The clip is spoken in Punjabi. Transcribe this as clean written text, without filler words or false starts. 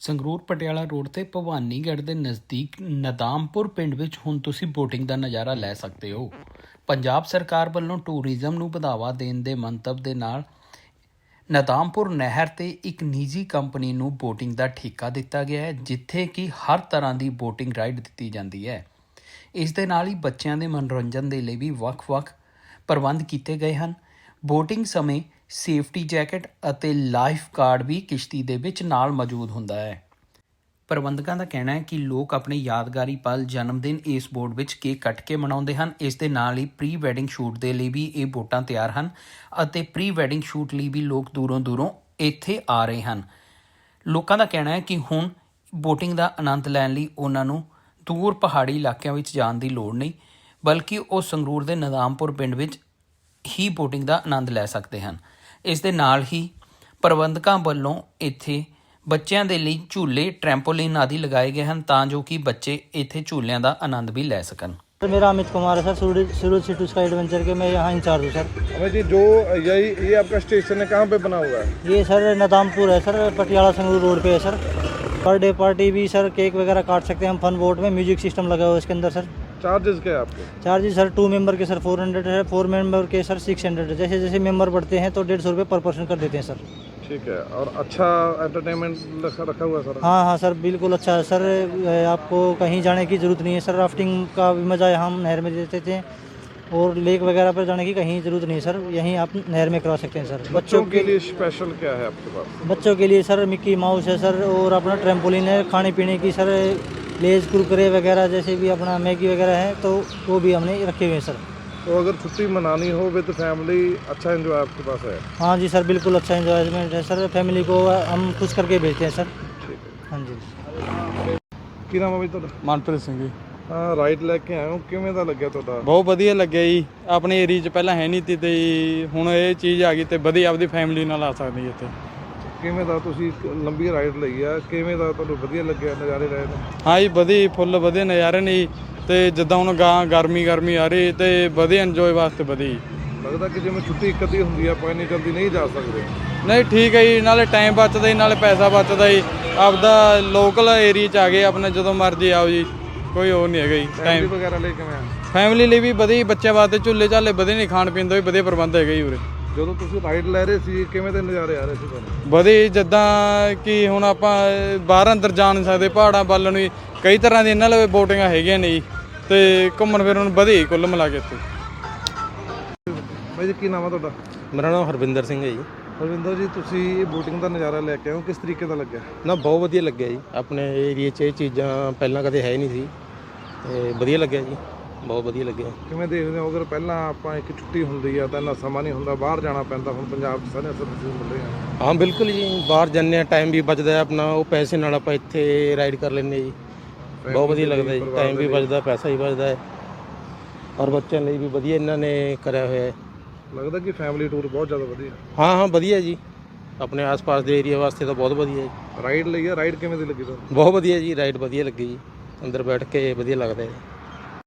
ਸੰਗਰੂਰ ਪਟਿਆਲਾ ਰੋਡ ਤੇ ਭਵਾਨੀਗੜ੍ਹ ਦੇ ਨਜ਼ਦੀਕ ਨਦਾਮਪੁਰ ਪਿੰਡ ਵਿੱਚ ਹੁਣ ਤੁਸੀਂ ਬੋਟਿੰਗ ਦਾ ਨਜ਼ਾਰਾ ਲੈ ਸਕਦੇ ਹੋ। ਪੰਜਾਬ ਸਰਕਾਰ ਵੱਲੋਂ ਟੂਰਿਜ਼ਮ ਨੂੰ ਵਧਾਵਾ ਦੇਣ ਦੇ ਮੰਤਵ ਦੇ ਨਾਲ ਨਦਾਮਪੁਰ ਨਹਿਰ ਤੇ ਇੱਕ ਨਿੱਜੀ ਕੰਪਨੀ ਨੂੰ ਬੋਟਿੰਗ ਦਾ ਠੇਕਾ ਦਿੱਤਾ ਗਿਆ ਹੈ, ਜਿੱਥੇ ਕਿ ਹਰ ਤਰ੍ਹਾਂ ਦੀ ਬੋਟਿੰਗ ਰਾਈਡ ਦਿੱਤੀ ਜਾਂਦੀ ਹੈ। ਇਸ ਦੇ ਨਾਲ ਹੀ ਬੱਚਿਆਂ ਦੇ ਮਨੋਰੰਜਨ ਦੇ ਲਈ ਵੀ ਵੱਖ-ਵੱਖ ਪ੍ਰਬੰਧ ਕੀਤੇ ਗਏ ਹਨ। ਬੋਟਿੰਗ ਸਮੇਂ ਸੇਫਟੀ ਜੈਕਟ ਅਤੇ ਲਾਈਫ ਗਾਰਡ ਵੀ ਕਿਸ਼ਤੀ ਦੇ ਵਿੱਚ ਨਾਲ ਮੌਜੂਦ ਹੁੰਦਾ ਹੈ। ਪ੍ਰਬੰਧਕਾਂ ਦਾ ਕਹਿਣਾ ਹੈ ਕਿ ਲੋਕ ਆਪਣੇ ਯਾਦਗਾਰੀ ਪਲ ਜਨਮ ਦਿਨ ਇਸ ਬੋਟ ਵਿੱਚ ਕੇਕ ਕੱਟ ਕੇ ਮਨਾਉਂਦੇ ਹਨ। ਇਸ ਦੇ ਨਾਲ ਹੀ ਪ੍ਰੀ ਵੈਡਿੰਗ ਸ਼ੂਟ ਦੇ ਲਈ ਵੀ ਇਹ ਬੋਟਾਂ ਤਿਆਰ ਹਨ ਅਤੇ ਪ੍ਰੀ ਵੈਡਿੰਗ ਸ਼ੂਟ ਲਈ ਵੀ ਲੋਕ ਦੂਰੋਂ ਇੱਥੇ ਆ ਰਹੇ ਹਨ। ਲੋਕਾਂ ਦਾ ਕਹਿਣਾ ਹੈ ਕਿ ਹੁਣ ਬੋਟਿੰਗ ਦਾ ਆਨੰਦ ਲੈਣ ਲਈ ਉਹਨਾਂ ਨੂੰ ਦੂਰ ਪਹਾੜੀ ਇਲਾਕਿਆਂ ਵਿੱਚ ਜਾਣ ਦੀ ਲੋੜ ਨਹੀਂ, ਬਲਕਿ ਉਹ ਸੰਗਰੂਰ ਦੇ ਨਦਾਮਪੁਰ ਪਿੰਡ ਵਿੱਚ ਹੀ ਬੋਟਿੰਗ ਦਾ ਆਨੰਦ ਲੈ ਸਕਦੇ ਹਨ। ਇਸ ਦੇ ਨਾਲ ਹੀ ਪ੍ਰਬੰਧਕਾਂ ਵੱਲੋਂ ਇੱਥੇ ਬੱਚਿਆਂ ਦੇ ਲਈ ਝੂਲੇ, ਟਰੈਂਪੋਲਿਨ ਆਦि ਲਗਾਏ ਗਏ ਹਨ ਤਾਂ ਜੋ ਕਿ ਬੱਚੇ ਇੱਥੇ ਝੂਲਿਆਂ ਦਾ ਆਨੰਦ भी ले सकन। मेरा अमित कुमार है sir, Suraj city sky adventure के मैं यहाँ इंचार्ज हूँ सर। अमित जी, जो ये आपका स्टेशन है, कहाँ पे बना हुआ है? ये सर नदामपुर है सर, पटियाला संगरूर रोड पे है सर। पर डे पार्टी भी सर, केक वगैरह काट सकते हैं हम। फन बोट में म्यूजिक सिस्टम लगा हुआ है इसके अंदर सर। चार्जेस क्या है आपके? चार्जेस सर 2 मेंबर के सर 400 है, 4 मेंबर के सर 600 है। जैसे जैसे मेंबर बढ़ते हैं तो 150 रुपये पर पर्सन कर देते हैं सर। ठीक है। और अच्छा एंटरटेनमेंट रखा हुआ है सर? हाँ सर, बिल्कुल अच्छा है सर। आपको कहीं जाने की ज़रूरत नहीं है सर। राफ्टिंग का भी मज़ा यहाँ हम नहर में देते थे और लेक वगैरह पर जाने की कहीं ज़रूरत नहीं सर, यहीं आप नहर में करा सकते हैं सर। बच्चों के लिए स्पेशल क्या है आपके पास? बच्चों के लिए सर मिक्की माउस है सर, और अपना ट्रैम्पोलिन है। खाने पीने की सर लेज, कुरकुरे वगैरह जैसे भी अपना मैगी वगैरह है तो वो भी हमने रखे हुए हैं सर। तो अगर छुट्टी मनानी हो विद फैमिली, अच्छा एंजॉय आपके पास है? हाँ जी सर, बिल्कुल अच्छा एंजॉयमेंट है सर। फैमिली को हम खुश करके भेजते हैं सर। ठीक है। हाँ जी। ਕੀ ਨਾਮ ਹੈ ਬਈ ਤੁਹਾਡਾ? ਮਨਪ੍ਰੀਤ ਸਿੰਘ ਜੀ। ਹਾਂ, ਰਾਈਡ ਲੈ ਕੇ ਆਏ ਹੋ, ਕਿਵੇਂ ਦਾ ਲੱਗਿਆ ਤੁਹਾਡਾ? ਬਹੁਤ ਵਧੀਆ ਲੱਗਿਆ ਜੀ। ਆਪਣੇ ਏਰੀਆ 'ਚ ਪਹਿਲਾਂ ਹੈ ਨਹੀਂ ਤੀ ਤੇ ਹੁਣ ਇਹ ਚੀਜ਼ ਆ ਗਈ ਤੇ ਵਧੀਆ ਆਪਦੀ ਫੈਮਿਲੀ ਨਾਲ ਆ ਸਕਦੀ ਇੱਥੇ। ਕਿਵੇਂ ਦਾ ਤੁਸੀਂ ਲੰਬੀ ਰਾਈਡ ਲਈ ਆ, ਕਿਵੇਂ ਦਾ ਤੁਹਾਨੂੰ ਵਧੀਆ ਲੱਗਿਆ, ਨਜ਼ਾਰੇ ਰਹੇ ਨੇ? ਹਾਂ ਜੀ, ਵਧੀਆ ਫੁੱਲ ਵਧੀਆ ਨਜ਼ਾਰੇ ਨੇ ਜੀ। ਤੇ ਜਿੱਦਾਂ ਹੁਣ ਗਰਮੀ ਆ ਰਹੀ ਤੇ ਵਧੀਆ ਇੰਜੋਏ ਵਾਸਤੇ ਵਧੀਆ ਜੀ। ਲੱਗਦਾ ਕਿ ਜਿਵੇਂ ਛੁੱਟੀ ਇੱਕ ਅੱਧੀ ਹੁੰਦੀ ਆ, ਆਪਾਂ ਇੰਨੀ ਜਲਦੀ ਨਹੀਂ ਜਾ ਸਕਦੇ। ਨਹੀਂ ਠੀਕ ਹੈ ਜੀ, ਨਾਲੇ ਟਾਈਮ ਬਚਦਾ ਜੀ, ਨਾਲੇ ਪੈਸਾ ਬਚਦਾ ਜੀ। ਆਪਦਾ ਲੋਕਲ ਏਰੀਆ 'ਚ ਆ ਗਏ ਆਪਣੇ, ਜਦੋਂ ਮਰਜ਼ੀ ਆਓ ਜੀ, ਕੋਈ ਹੋਰ ਨਹੀਂ ਹੈਗਾ ਜੀ। ਟਾਈਮ ਵਗੈਰਾ ਲਈ ਕਿਵੇਂ ਆ? ਫੈਮਿਲੀ ਲਈ ਵੀ ਵਧੀਆ, ਬੱਚਿਆਂ ਵਾਸਤੇ ਝੂਲੇ ਝਾਲੇ ਵਧੀਆ ਨੇ, ਖਾਣ ਪੀਣ ਦਾ ਵੀ ਵਧੀਆ ਪ੍ਰਬੰਧ ਹੈਗਾ ਜੀ ਉਰੇ। ਜਦੋਂ ਤੁਸੀਂ ਰਾਈਡ ਲੈ ਰਹੇ ਸੀ, ਕਿਵੇਂ ਦੇ ਨਜ਼ਾਰੇ ਆ ਰਹੇ ਸੀ ਤੁਹਾਨੂੰ? ਵਧੀਆ, ਜਿੱਦਾਂ ਕਿ ਹੁਣ ਆਪਾਂ ਬਾਹਰ ਅੰਦਰ ਜਾ ਨਹੀਂ ਸਕਦੇ, ਪਹਾੜਾਂ ਵੱਲ ਨੂੰ ਕਈ ਤਰ੍ਹਾਂ ਦੀ ਇਹਨਾਂ ਲਈ ਬੋਟਿੰਗਾਂ ਹੈਗੀਆਂ ਨੇ ਜੀ, ਤੇ ਘੁੰਮਣ ਫਿਰਨ ਵਧੀਆ ਕੁੱਲ ਮਿਲਾ ਕੇ ਇੱਥੇ। ਬਾਈ ਜੀ, ਕੀ ਨਾਮ ਆ ਤੁਹਾਡਾ? ਮੇਰਾ ਨਾਮ ਹਰਵਿੰਦਰ ਸਿੰਘ ਹੈ ਜੀ। ਹਰਵਿੰਦਰ ਜੀ, ਤੁਸੀਂ ਬੋਟਿੰਗ ਦਾ ਨਜ਼ਾਰਾ ਲੈ ਕੇ ਆਏ ਹੋ, ਕਿਸ ਤਰੀਕੇ ਦਾ ਲੱਗਿਆ? ਨਾ ਬਹੁਤ ਵਧੀਆ ਲੱਗਿਆ ਜੀ। ਆਪਣੇ ਏਰੀਏ 'ਚ ਇਹ ਚੀਜ਼ਾਂ ਪਹਿਲਾਂ ਕਦੇ ਹੈ ਨਹੀਂ ਸੀ, ਤੇ ਵਧੀਆ ਲੱਗਿਆ ਜੀ, ਬਹੁਤ ਵਧੀਆ ਲੱਗਿਆ। ਕਿਵੇਂ ਦੇਖਦੇ ਹੋ, ਅਗਰ ਪਹਿਲਾਂ ਆਪਾਂ ਇੱਕ ਛੁੱਟੀ ਹੁੰਦੀ ਆ ਤਾਂ ਇੰਨਾ ਸਮਾਂ ਨਹੀਂ ਹੁੰਦਾ, ਬਾਹਰ ਜਾਣਾ ਪੈਂਦਾ, ਹੁਣ ਪੰਜਾਬ 'ਚ ਸਾਰੇ ਸਰਵਿਸ ਮਿਲ ਰਹੇ ਆ? ਹਾਂ ਬਿਲਕੁਲ ਜੀ, ਬਾਹਰ ਜਾਂਦੇ ਹਾਂ, ਟਾਈਮ ਵੀ ਬਚਦਾ ਆਪਣਾ, ਉਹ ਪੈਸੇ ਨਾਲ ਆਪਾਂ ਇੱਥੇ ਰਾਈਡ ਕਰ ਲੈਂਦੇ ਜੀ। ਬਹੁਤ ਵਧੀਆ ਲੱਗਦਾ ਜੀ, ਟਾਈਮ ਵੀ ਬਚਦਾ, ਪੈਸਾ ਵੀ ਬਚਦਾ ਹੈ, ਔਰ ਬੱਚਿਆਂ ਲਈ ਵੀ ਵਧੀਆ ਇਹਨਾਂ ਨੇ ਕਰਿਆ ਹੋਇਆ ਹੈ। ਲੱਗਦਾ ਕਿ ਫੈਮਿਲੀ ਟੂਰ ਬਹੁਤ ਜ਼ਿਆਦਾ ਵਧੀਆ? ਹਾਂ ਵਧੀਆ ਜੀ, ਆਪਣੇ ਆਸ-ਪਾਸ ਦੇ ਏਰੀਆ ਵਾਸਤੇ ਤਾਂ ਬਹੁਤ ਵਧੀਆ ਜੀ। ਰਾਈਡ ਲਈ ਆ, ਰਾਈਡ ਕਿਵੇਂ ਦੀ ਲੱਗੀ ਤੁਹਾਨੂੰ? ਬਹੁਤ ਵਧੀਆ ਜੀ, ਰਾਈਡ ਵਧੀਆ ਲੱਗੀ ਜੀ, ਅੰਦਰ ਬੈਠ ਕੇ ਵਧੀਆ ਲੱਗਦਾ ਹੈ।